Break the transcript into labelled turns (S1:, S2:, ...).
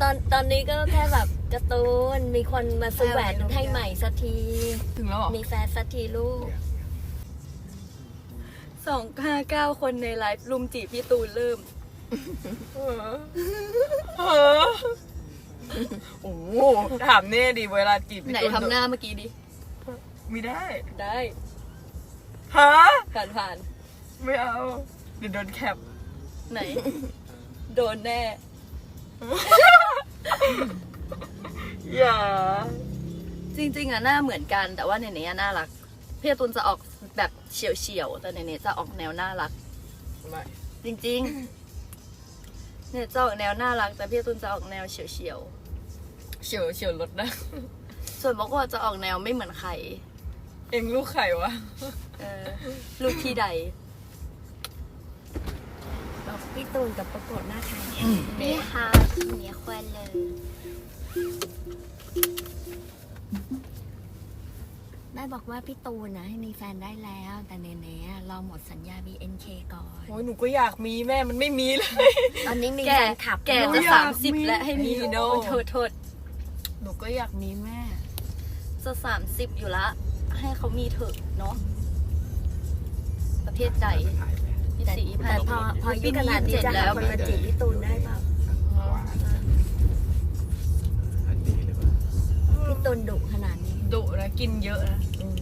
S1: ตอนนี้ก็แค่แบบการ์ตูนมีคนมาซื้อแหวนให้ใหม่สักที
S2: ถึงแล้วเหรอ
S1: มีแฟนสักทีลูก
S3: 259 คนในไลฟ์ลุมจีบพี่ตูนเริ่ม
S2: โอ้โหถามเน่ดิเวลาจีบ
S3: ไหนทำหน้าเมื่อกี้ดิ
S2: ไม่ได้
S3: ได้
S2: ฮะ
S3: ผ่าน
S2: ไม่เอาเดี๋ยวโดนแคป
S3: ไหน โดนแน่
S2: อย่า
S3: จริงๆอะหน้าเหมือนกันแต่ว่าเนเน่น่ารักพี่การ์ตูนจะออกแบบเฉียวๆแต่เนเน่จะออกแนวน่ารัก
S2: ไม่
S3: จริงๆเนี่ยจะออกแนวน่ารักแต่พี่การ์ตูนจะออกแนวเฉียว
S2: เฉียวรถนะ
S3: ๆส่วนบอกว่าจะออกแนวไม่เหมือนใคร
S2: เองลูกไข่วะ
S3: ลูกที่ใด
S1: บอกพี่ตูนกับประกวดหน้าใครนี่ค่ะเมียควันเลยแม่บอกว่าพี่ตูนนะให้มีแฟนได้แล้ว แต่เนเน่รอหมดสัญญา BNK ก่อน
S2: โอ้ยหนูก็อยากมีแม่มันไม่มีเลย
S1: ตอนนี้มี
S3: แก
S1: แฟนคลับ
S3: แก
S1: ด้วย
S3: จะ
S2: อยากมี
S3: 30 แล้วให้มี
S2: โน้
S3: โทษ
S2: หนูก็อยากมีแม่
S3: จะ30 อยู่ละ ให้เขามีเถอะเนาะประเทศใดพี่
S1: แต่
S3: สี
S1: แต่พออายุขนาดนี้จะ
S3: แล้
S1: หาว คนมาจีบพี่ตูนได้เปล่าพี่ตูนดุขนาดนี้
S2: ดุนะกินเยอะนะ
S1: อืม